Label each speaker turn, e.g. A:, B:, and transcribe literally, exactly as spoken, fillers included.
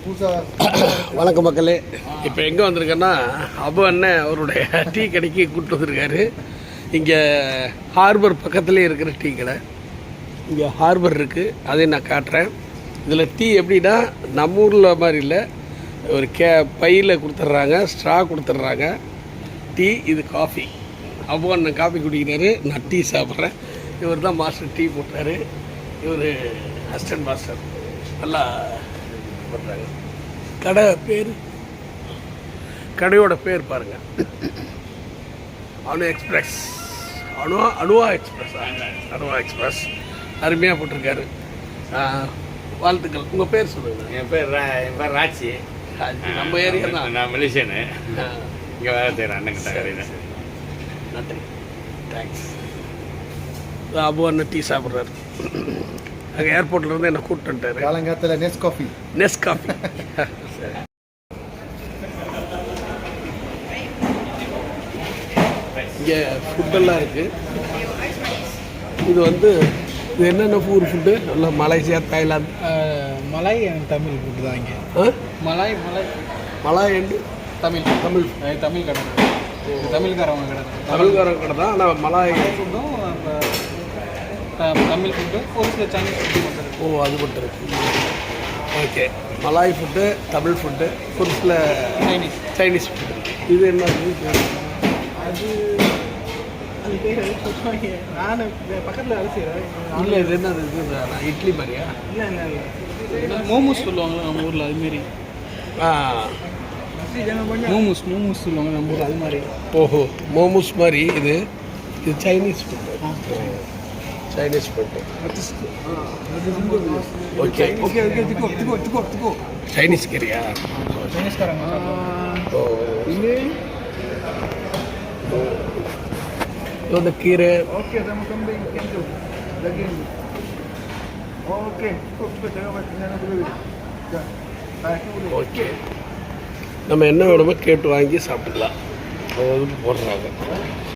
A: வணக்கம் மக்களே. இப்போ எங்கே வந்திருக்கேன்னா அபு அண்ணன் அவருடைய டீ கடைக்கு கூப்பிட்டு வந்திருக்காரு. இங்கே ஹார்பர் பக்கத்துலேயே இருக்கிற டீ கடை. இங்கே ஹார்பர் இருக்குது, அதையும் நான் காட்டுறேன். இதில் டீ எப்படின்னா நம்ம ஊரில் மாதிரி இல்லை, ஒரு கே பையில் கொடுத்துட்றாங்க, ஸ்ட்ரா கொடுத்துட்றாங்க. டீ இது காஃபி. அபு அண்ணன் காஃபி குடிக்கிறாரு, நான் டீ சாப்பிட்றேன். இவர் தான் மாஸ்டர் டீ போட்டார். இவர் அசிஸ்டன்ட் மாஸ்டர். நல்லா பண்ணுறாங்க. கடை பேர், கடையோட பேர் பாருங்கள், அணு எக்ஸ்பிரஸ். அணுவா அணுவா எக்ஸ்பிரஸ் அணுவா எக்ஸ்பிரஸ் அருமையாக போட்டிருக்காரு. வாழ்த்துக்கள். உங்கள் பேர் சொல்லுங்கள்.
B: என் பேர் என் பேர் ராட்சி.
A: நம்ம ஏரியா தான்.
B: நான் மலேசியனு, இங்கே வேலை செய்கிறேன் அண்ணன் கடையில்.
A: நன்றி, தேங்க்ஸ். அபு அண்ணன் டீ சாப்பிட்றாரு. அங்கே ஏர்போர்ட்லேருந்து என்ன கூப்பிட்டுட்டாரு.
C: காலங்காத்தில் நெஸ் காஃபி
A: நெஸ் காஃபி சரி. இங்கே ஃபுட்டெல்லாம் இருக்குது. இது வந்து இது என்னென்ன ஊர் ஃபுட்டு? நல்லா Malaysia, Thailand,
C: Malay Tamil food தான் இங்கே. Malay Malay
A: Malay and
C: Tamil Tamil Tamil கடை, தமிழ்காரவங்க கடை,
A: தமிழ்காரங்க கடை தான். ஆனால் மலாய்
C: ஃபுட்டும் தமிழ் ஃபுட்டு, ஒரு சில சைனீஸ் ஃபுட்டு மட்டும்.
A: ஓ, அது மட்டும் இருக்குது. Okay, Malay food, Tamil food, ஒரு சில
C: சைனீஸ்
A: சைனீஸ் ஃபுட்டு. இது என்ன?
C: அது அது பேர் சொல்லுவாங்க. நான் பக்கத்தில் வேலை செய்கிறேன்.
A: இல்லை, இது என்ன? இது இட்லி மாதிரியா?
C: இல்லை இல்லை இல்லை மோமோஸ் சொல்லுவாங்க நம்ம ஊரில், அதுமாரி.
A: ஆ,
C: மோமோஸ் மோமோஸ் சொல்லுவாங்க நம்ம ஊரில், அது மாதிரி.
A: ஓஹோ, மோமோஸ் மாதிரி. இது இது Chinese food. Chinese food. Okay
C: okay okay திக்கோ திக்கோ திக்கோ திக்கோ
A: சைனீஸ் கறியா?
C: சைனீஸ்காரங்க.
A: ஓ, இது இந்த கீரை.
C: ஓகே நம்ம கம்பி கேஞ்சோ லகின். ஓகே
A: ஓகே, நம்ம என்ன வேணுமோ கேட்டு வாங்கி சாப்பிட்டுக்கலாம். அது போடுறாங்க.